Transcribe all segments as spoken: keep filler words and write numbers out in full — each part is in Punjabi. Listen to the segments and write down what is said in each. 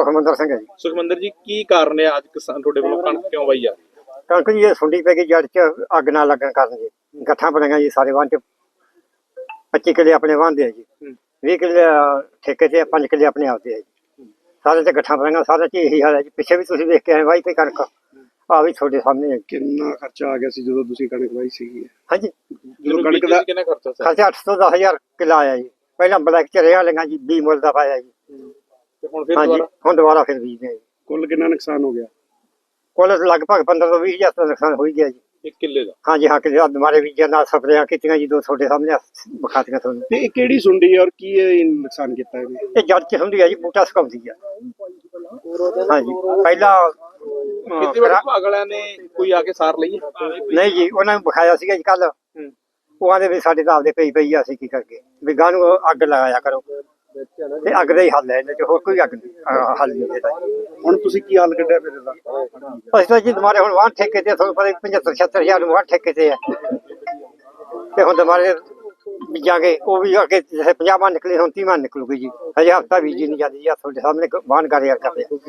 ਸੁਖਮੰਦਰ ਸਿੰਘ ਹੈ ਜੀ। ਸੁਖਮੰਦਰ ਜੀ, ਕੀ ਕਾਰਨ ਹੈ ਅੱਜ ਕਿਸਾਨ ਤੁਹਾਡੇ ਵੱਲੋਂ ਕਣਕ ਕਿਉਂ ਵਾਈ ਆ? ਕਣਕ ਜੀ ਇਹ ਸੁੰਡੀ ਪੈ ਗਈ ਜੜ ਚ ਅੱਗ ਨਾ ਲੱਗਣ ਕਾਰਨ ਜੀ। ਗੱਠਾਂ ਬਣੀਆਂ ਜੀ ਸਾਰੇ ਵਾਹਨ ਚ। ਪੱਚੀ ਕਿੱਲੇ ਆਪਣੇ ਵਾਹਦੇ ਆ ਜੀ, ਵੀਹ ਕਿੱਲੇ ਠੇਕੇ ਤੇ, ਪੰਜ ਕਿੱਲੇ ਆਪਣੇ ਆਪਦੇ ਆ ਜੀ। ਸਾਰੇ ਤੇ ਗੱਠਾਂ ਬਣੀਆਂ, ਸਾਰੇ ਚ ਇਹੀ ਹਾਲ ਹੈ ਜੀ। ਪਿੱਛੇ ਵੀ ਤੁਸੀਂ ਵੇਖ ਕੇ ਆਏ ਵਾਈ ਤੇ ਕਣਕ ਆ ਵੀ ਤੁਹਾਡੇ ਸਾਹਮਣੇ ਹੈ। ਕਿੰਨਾ ਖਰਚਾ ਆ ਗਿਆ ਸੀ ਜਦੋਂ ਤੁਸੀਂ ਕਣਕ ਵਾਈ ਸੀਗੀ? ਹਾਂਜੀ, ਜਦੋਂ ਕਣਕ ਦਾ ਕਿੰਨਾ ਖਰਚਾ ਸੀ? ਖਰਚਾ ਅੱਠ ਤੋਂ ਦਸ ਹਜ਼ਾਰ ਕਿੱਲਾ ਆਇਆ ਜੀ। ਪਹਿਲਾਂ ਬਲੈਕ ਚ ਰਿਹਾ ਲਈਆਂ ਜੀ, ਵੀਹ ਮੁੱਲ ਦਾ ਪਾਇਆ ਜੀ। ਤੇ ਹੁਣ ਫਿਰ ਹਾਂਜੀ, ਦੁਬਾਰਾ ਹੁਣ ਦੁਬਾਰਾ ਫਿਰ ਬੀਜਦੇ ਆ ਜੀ। ਕੁੱਲ ਕਿੰਨਾ ਨੁਕਸਾਨ ਹੋ ਗਿਆ? ਕੁੱਲ ਲਗਭਗ ਪੰਦਰਾਂ ਤੋਂ ਵੀਹ ਹਜ਼ਾਰ ਦਾ ਨੁਕਸਾਨ ਹੋ ਹੀ ਗਿਆ ਜੀ। ਇੱਕ ਕਿੱਲੇ ਦਾ? ਹਾਂਜੀ ਹਾਂ, ਕਿੱਲੇ ਦੁਬਾਰੇ ਬੀਜਿਆ ਨਾਲ ਸਪਰੇਆਂ ਕੀਤੀਆਂ ਜੀ, ਦੋ ਤੁਹਾਡੇ ਸਾਹਮਣੇ ਵਿਖਾਤੀਆਂ ਤੁਹਾਨੂੰ। ਤੇ ਇਹ ਕਿਹੜੀ ਸੁੰਡੀ ਔਰ ਕੀ ਇਹ ਨੁਕਸਾਨ ਕੀਤਾ ਇਹਨੇ? ਇਹ ਜੜ ਚ ਹੁੰਦੀ ਹੈ ਜੀ, ਬੂਟਾ ਸੁਕਾਉਂਦੀ ਆ। ਹਾਂਜੀ, ਪਹਿਲਾਂ ਖੇਤੀਬਾੜੀ ਵਿਭਾਗ ਵਾਲਿਆਂ ਨੇ ਕੋਈ ਆ ਕੇ ਸਾਰ ਲਈ ਹੈ? ਨਹੀਂ ਜੀ, ਉਹਨਾਂ ਨੂੰ ਵਿਖਾਇਆ ਸੀਗਾ ਜੀ ਕੱਲ। ਉਹ ਆਂਦੇ ਵੀ ਸਾਡੇ ਤਾਂ ਆਪਦੇ ਪਈ ਪਈ ਆ, ਅਸੀਂ ਕੀ ਕਰਕੇ ਵੀ ਗਾਂ ਨੂੰ ਅੱਗ ਲਗਾਇਆ ਕਰੋ। ਤੇ ਅੱਗ ਦਾ ਹੀ ਹੱਲ ਹੈ ਇਹਦੇ ਚ, ਹੋਰ ਕੋਈ ਅੱਗ ਅਹ ਹੱਲ ਨਹੀਂ ਇਹਦਾ। ਹੁਣ ਤੁਸੀਂ ਕੀ ਹੱਲ ਕੱਢਿਆ ਫਿਰ ਇਹਦਾ? ਅਸੀਂ ਤਾਂ ਜੀ ਦੁਬਾਰੇ ਹੁਣ ਵਾਹਨ ਠੇਕੇ ਤੇ, ਤੁਹਾਨੂੰ ਪਤਾ ਪਝੱਤਰ ਛੱਤਰ ਹਜ਼ਾਰ ਨੂੰ ਵਾਹਨ ਠੇਕੇ ਤੇ ਆ। ਤੇ ਹੁਣ ਦੁਬਾਰੇ ਬੀਜਾਂਗੇ, ਉਹ ਵੀ ਅੱਗੇ ਜਿਵੇਂ ਪੰਜਾਹ ਮਨ ਨਿਕਲੇ, ਹੁਣ ਤੀਹ ਮਨ ਨਿਕਲੂਗੀ ਜੀ। ਹਜੇ ਹਫ਼ਤਾ ਬੀਜੀ ਨਹੀਂ ਜਾਂਦੀ ਜੀ। ਤੁਹਾਡੇ ਸਾਹਮਣੇ ਵਾਹਨ ਕਰਿਆ ਕਰਦੇ ਆ।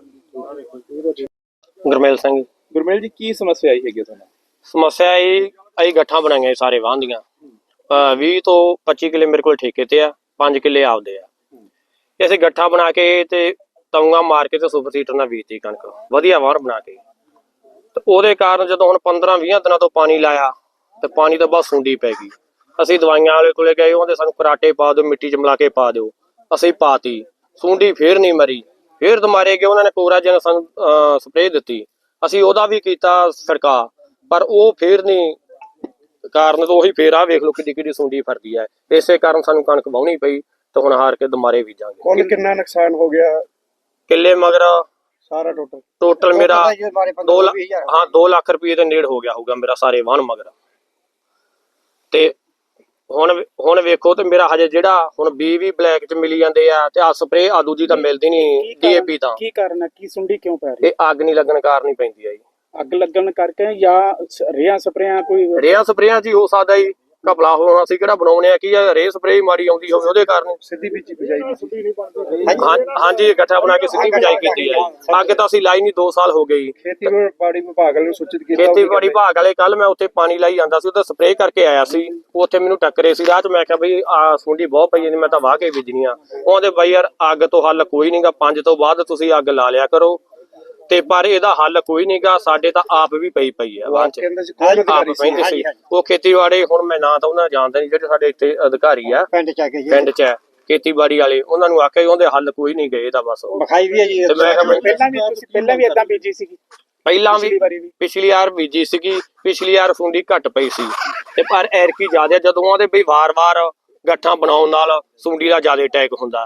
ਗੁਰਮੇਲ ਸਿੰਘ। ਗੁਰਮੇਲ ਜੀ, ਕੀ ਸਮੱਸਿਆ ਆਈ ਹੈਗੀ ਤੁਹਾਨੂੰ? ਸਮੱਸਿਆ ਇਹ ਅਸੀਂ ਗੱਠਾਂ ਬਣਾਈਆਂ ਸਾਰੇ ਵਾਹਨ ਦੀਆਂ। ਵੀਹ ਤੋਂ ਪੱਚੀ ਕਿੱਲੇ ਮੇਰੇ ਕੋਲ ਠੇਕੇ ਤੇ ਆ, ਪੰਜ ਕਿੱਲੇ ਆਪਦੇ ਆ। ਅਸੀਂ ਗੱਠਾਂ ਬਣਾ ਕੇ ਤੇ ਤਊਆਂ ਮਾਰ ਕੇ ਤੇ ਸੁਪਰ ਸੀਟਰ ਨਾਲ ਬੀਜਤੀ ਕਣਕ, ਵਧੀਆ ਵਾਹਨ ਬਣਾ ਕੇ। ਤੇ ਉਹਦੇ ਕਾਰਨ ਜਦੋਂ ਹੁਣ ਪੰਦਰਾਂ ਵੀਹਾਂ ਦਿਨਾਂ ਤੋਂ ਪਾਣੀ ਲਾਇਆ ਤੇ ਪਾਣੀ ਤੋਂ ਬਾਅਦ ਸੁੰਡੀ ਪੈ ਗਈ। ਅਸੀਂ ਦਵਾਈਆਂ ਵਾਲੇ ਕੋਲੇ ਗਏ, ਉਹਦੇ ਸਾਨੂੰ ਕਰਾਟੇ ਪਾ ਦਿਓ, ਮਿੱਟੀ ਚ ਮਿਲਾ ਕੇ ਪਾ ਦਿਓ। ਅਸੀਂ ਪਾਤੀ, ਸੁੰਡੀ ਫੇਰ ਨਹੀਂ ਮਰੀ। ਫੇਰ ਦੁਬਾਰੇ ਗਏ, ਉਹਨਾਂ ਨੇ ਕੋਰਾਜਨ ਸਾਨੂੰ ਸਪਰੇਅ ਦਿੱਤੀ। ਅਸੀਂ ਉਹਦਾ ਵੀ ਕੀਤਾ ਛਿੜਕਾ, ਪਰ ਉਹ ਫੇਰ ਨਹੀਂ ਕਾਰਨ ਤੋਂ ਉਹੀ ਫੇਰ ਆ ਵੇਖ ਲਓ ਕਿੱਡੀ ਕਿੱਡੀ ਸੁੰਡੀ ਫਰਦੀ ਹੈ। ਇਸੇ ਕਾਰਨ ਸਾਨੂੰ ਕਣਕ ਵਾਹੁਣੀ ਪਈ ਤੇ ਹੁਣ ਹਾਰ ਕੇ ਦੁਬਾਰੇ ਬੀਜਾਂਗੇ। ਕੁੱਲ ਕਿੰਨਾ ਨੁਕਸਾਨ ਹੋ ਗਿਆ ਕਿੱਲੇ ਮਗਰ ਸਾਰਾ ਟੋਟਲ? ਟੋਟਲ ਮੇਰਾ ਦੋ ਲੱਖ ਹਾਂ ਦੋ ਲੱਖ ਰੁਪਏ ਦੇ ਨੇੜ ਹੋ ਗਿਆ ਹੋਊਗਾ ਮੇਰਾ ਸਾਰੇ ਵਾਹਣ ਮਗਰ। ਤੇ ਹੁਣ ਹੁਣ ਵੇਖੋ ਤੇ ਮੇਰਾ ਹਜੇ ਜਿਹੜਾ ਹੁਣ ਬੀ ਵੀ ਬਲੈਕ ਚ ਮਿਲੀ ਜਾਂਦੇ ਆ ਤੇ ਆ ਸਪਰੇਅ ਆ ਦੂਜੀ ਤਾਂ ਮਿਲਦੀ ਨਹੀਂ ਡੀਏਪੀ ਤਾਂ। ਕੀ ਕਾਰਨ ਹੈ, ਕੀ ਸੁੰਡੀ ਕਿਉਂ ਪੈ ਰਹੀ? ਇਹ ਅੱਗ ਨਹੀਂ ਲੱਗਣ ਕਾਰਨ ਹੀ ਪੈਂਦੀ ਆ ਜੀ। ਅੱਗ ਲੱਗਣ ਕਰਕੇ ਜਾਂ ਰੇਹਾਂ ਸਪਰੇਆਂ ਕੋਈ? ਰੇਹਾਂ ਸਪਰੇਆਂ ਜੀ ਹੋ ਸਕਦਾ ਜੀ, ਘਪਲਾ ਹੋਣਾ। ਅਸੀਂ ਕਿਹੜਾ ਬਣਾਉਣੇ ਆ ਕੀ ਆ, ਰੇ ਸਪਰੇਅ ਮਾੜੀ ਆਉਂਦੀ ਹੋਵੇ ਉਹਦੇ ਕਾਰਨ। ਸਿੱਧੀ ਬੀਜੀ ਬਿਜਾਈ ਹਾਂਜੀ, ਇਕੱਠਾ ਬਣਾ ਕੇ ਸਿੱਧੀ ਬਿਜਾਈ ਕੀਤੀ ਹੈ। ਅੱਗੇ ਤਾਂ ਅਸੀਂ ਲਾਈ ਨਹੀਂ, ਦੋ ਸਾਲ ਹੋ ਗਏ। ਖੇਤੀਬਾੜੀ ਵਿਭਾਗ ਵਾਲੇ ਨੂੰ ਸੂਚਿਤ ਕੀਤਾ? ਖੇਤੀਬਾੜੀ ਵਿਭਾਗ ਵਾਲੇ ਕੱਲ ਮੈਂ ਉੱਥੇ ਪਾਣੀ ਲਾਈ ਜਾਂਦਾ ਸੀ, ਉਹਦਾ ਸਪਰੇਅ ਕਰਕੇ ਆਇਆ ਸੀ। ਉੱਥੇ ਮੈਨੂੰ ਟੱਕਰੇ ਸੀ ਰਾਹ ਚ। ਮੈਂ ਕਿਹਾ ਬਈ ਆ ਸੁੰਡੀ ਬਹੁਤ ਪਈ ਜਾਂਦੀ, ਮੈਂ ਤਾਂ ਵਾਹ ਕੇ ਬੀਜਣੀ ਆ। ਉਹਦੇ ਬਈ ਯਾਰ ਅੱਗ ਤੋਂ ਹੱਲ ਕੋਈ ਨਹੀਂਗਾ, ਪੰਜ ਤੋਂ ਬਾਅਦ ਤੁਸੀਂ ਅੱਗ ਲਾ ਲਿਆ ਕਰੋ। ਤੇ ਪਰ ਇਹਦਾ ਹੱਲ ਕੋਈ ਨਹੀਂਗਾ, ਸਾਡੇ ਤਾਂ ਆਪ ਵੀ ਪਈ ਪਈ ਆ ਵਾਂ ਚ, ਆਪ ਪੈਂਦੇ ਸੀ। ਉਹ ਖੇਤੀਬਾੜੀ ਹੁਣ ਮੈਂ ਨਾ ਤਾਂ ਉਹਨਾਂ ਜਾਣਦਾ ਨਹੀਂ, ਜਿਹੜੇ ਸਾਡੇ ਇੱਥੇ ਅਧਿਕਾਰੀ ਆ ਪਿੰਡ ਚ ਆ ਕੇ ਜੀ, ਪਿੰਡ ਚ ਖੇਤੀਬਾੜੀ ਵਾਲੇ, ਉਹਨਾਂ ਨੂੰ ਆਖਿਆ ਉਹਦੇ ਹੱਲ ਕੋਈ ਨਹੀਂ ਗਏ ਇਹਦਾ ਬਸ। ਵਿਖਾਈ ਵੀ ਹੈ ਜੀ। ਤੇ ਮੈਂ ਕਿਹਾ ਪਹਿਲਾਂ ਵੀ ਤੁਸੀਂ ਪਹਿਲਾਂ ਵੀ ਏਦਾਂ ਬੀਜੀ ਸੀਗੀ? ਪਹਿਲਾਂ ਵੀ ਪਿਛਲੀ ਵਾਰ ਬੀਜੀ ਸੀਗੀ, ਪਿਛਲੀ ਵਾਰ ਸੁੰਡੀ ਘੱਟ ਪਈ ਸੀ ਤੇ ਪਰ ਐਰਕੀ ਜ਼ਿਆਦਾ। ਜਦੋਂ ਉਹਦੇ ਬਈ ਵਾਰ-ਵਾਰ ਗੱਠਾਂ ਬਣਾਉਣ ਨਾਲ ਸੁੰਡੀ ਦਾ ਜ਼ਿਆਦਾ ਅਟੈਕ ਹੁੰਦਾ।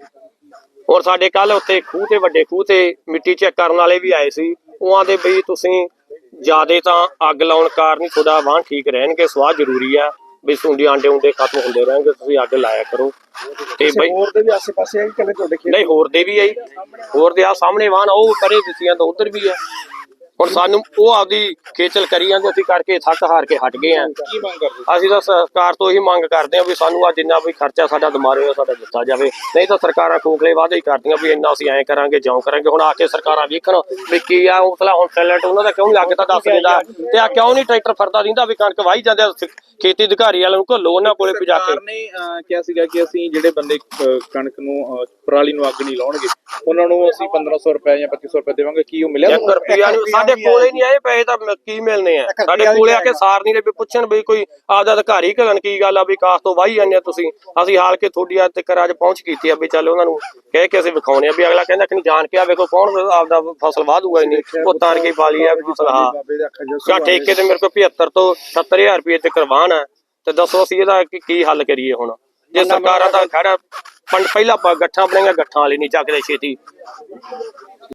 ਹੁਣ ਸਾਡੇ ਕੱਲ ਉੱਥੇ ਖੂਹ ਤੇ ਵੱਡੇ ਖੂਹ ਤੇ ਮਿੱਟੀ ਚੈੱਕ ਕਰਨ ਵਾਲੇ ਵੀ ਆਏ ਸੀ। ਉਹਾਂ ਦੇ ਬਈ ਤੁਸੀਂ ਜਿਆਦੇ ਤਾਂ ਅੱਗ ਲਾਉਣ ਕਾਰਨ ਹੀ ਤੁਹਾਡਾ ਵਾਹਣ ਠੀਕ ਰਹਿਣਗੇ। ਸਵਾਹ ਜ਼ਰੂਰੀ ਆ ਵੀ ਸੁੰਡੀ ਆਂਡੇ ਉਂਡੇ ਖਤਮ ਹੁੰਦੇ ਰਹਿਣਗੇ, ਤੁਸੀਂ ਅੱਗ ਲਾਇਆ ਕਰੋ। ਤੇ ਬਈ ਹੋਰ ਦੇ ਵੀ ਆਸੇ ਪਾਸੇ ਆ ਕਿ ਤੁਹਾਡੇ ਖੇਤ? ਨਹੀਂ, ਹੋਰ ਦੇ ਵੀ ਆਈ, ਹੋਰ ਦੇ ਆ ਸਾਹਮਣੇ ਵਾਹਣ ਉਹ ਪਰੇ ਦਿੱਤੀਆਂ ਤਾਂ ਉਧਰ ਵੀ ਆ। ਹੁਣ ਸਾਨੂੰ ਉਹ ਆਪਦੀ ਖੇਚਲ ਕਰੀ ਜਾਂਦੇ, ਅਸੀਂ ਕਰਕੇ ਥੱਕ ਹਾਰ ਕੇ ਹਟ ਗਏ ਆ। ਕੀ ਮੰਗ ਕਰਦੇ? ਅਸੀਂ ਤਾਂ ਸਰਕਾਰ ਤੋਂ ਇਹੀ ਮੰਗ ਕਰਦੇ ਹਾਂ ਵੀ ਸਾਨੂੰ ਆ ਜਿੰਨਾ ਵੀ ਖਰਚਾ ਸਾਡਾ ਦਿਮਾਗ ਹੋਇਆ ਸਾਡਾ ਦਿੱਤਾ ਜਾਵੇ। ਨਹੀਂ ਤਾਂ ਸਰਕਾਰਾਂ ਖੋਖਲੇ ਵਾਅਦੇ ਹੀ ਕਰਦੀਆਂ ਵੀ ਇੰਨਾ ਅਸੀਂ ਐਂ ਕਰਾਂਗੇ ਜਿਉਂ ਕਰਾਂਗੇ। ਹੁਣ ਆ ਕੇ ਸਰਕਾਰਾਂ ਵੇਖਣ ਵੀ ਕੀ ਆ ਮਸਲਾ। ਹੁਣ ਟੈਲੈਂਟ ਉਹਨਾਂ ਦਾ ਕਿਉਂ ਨਹੀਂ ਅੱਗ ਤਾਂ ਦੱਸ ਦਿੰਦਾ, ਤੇ ਆ ਕਿਉਂ ਨਹੀਂ ਟਰੈਕਟਰ ਫਰਦਾ ਦਿੰਦਾ ਵੀ ਕਣਕ ਵਾਹੀ ਜਾਂਦੇ। ਖੇਤੀ ਅਧਿਕਾਰੀ ਵਾਲਿਆਂ ਨੂੰ ਘੱਲੋ, ਉਹਨਾਂ ਕੋਲੇ ਪੁਜਾ ਕੇ। ਸਰਕਾਰ ਨੇ ਕਿਹਾ ਸੀਗਾ ਕਿ ਅਸੀਂ ਜਿਹੜੇ ਬੰਦੇ ਕਣਕ ਨੂੰ ਪਰਾਲੀ ਨੂੰ ਅੱਗ ਨਹੀਂ ਲਾਉਣਗੇ ਉਹਨਾਂ ਨੂੰ ਅਸੀਂ ਪੰਦਰਾਂ ਸੌ ਰੁਪਏ ਜਾਂ ਪੱਚੀ ਸੌ ਰੁਪਏ ਦੇਵਾਂਗੇ। ਕੀ ਉਹ ਮਿਲਿਆ? ਇੱਕ ਰੁਪਿਆ ਨਹੀਂ ਸਾਡੇ ਕੋਲੇ ਨਹੀਂ ਆਏ ਪੈਸੇ ਤਾਂ ਕੀ ਮਿਲਣੇ ਆ। ਸਾਡੇ ਕੋਲੇ ਆ ਕੇ ਸਾਰ ਨਹੀਂ ਰਹੇ, ਪੁੱਛਣ ਵੀ ਕੋਈ ਆਪਦਾ ਅਧਿਕਾਰੀ ਘਲਣ ਕੀ ਗੱਲ ਆ ਵੀ ਕਾਸ ਤੋਂ ਵਾਹੀ ਜਾਂਦੇ ਆ ਤੁਸੀਂ। ਅਸੀਂ ਹਾਲ ਕੇ ਤੁਹਾਡੀ ਅੱਜ ਤੱਕ ਅੱਜ ਪਹੁੰਚ ਕੀਤੀ ਆ ਵੀ ਚੱਲ ਉਹਨਾਂ ਨੂੰ ਕਹਿ ਕੇ ਅਸੀਂ ਵਿਖਾਉਣੇ ਆ ਵੀ ਅਗਲਾ ਕਹਿੰਦਾ ਕਿ ਨਹੀਂ ਜਾਣ ਕੇ ਆ ਵੇਖੋ ਕੌਣ ਆਪਦਾ ਫਸਲ ਵਾਹ ਦੂਗਾ। ਇੰਨੀ ਉਹ ਤਾਰ ਕੇ ਪਾ ਲਈ ਆ ਵੀ ਸਲਾਹ ਜਾਂ ਠੇਕੇ ਤੇ ਮੇਰੇ ਕੋਲ ਪਝੱਤਰ ਤੋਂ ਸੱਤਰ ਹਜ਼ਾਰ ਰੁਪਏ ਤੇ ਕਰਵਾਨ ਆ। ਤੇ ਦੱਸੋ ਅਸੀਂ ਇਹਦਾ ਕੀ ਹੱਲ ਕਰੀਏ? ਹੁਣ ਜੇ ਸਰਕਾਰਾਂ ਦਾ ਖੜਾ ਪਹਿਲਾਂ ਗੱਠਾਂ ਬਣਾਈਆਂ, ਗੱਠਾਂ ਵਾਲੀ ਨਹੀਂ ਚੱਕਦੇ ਛੇਤੀ।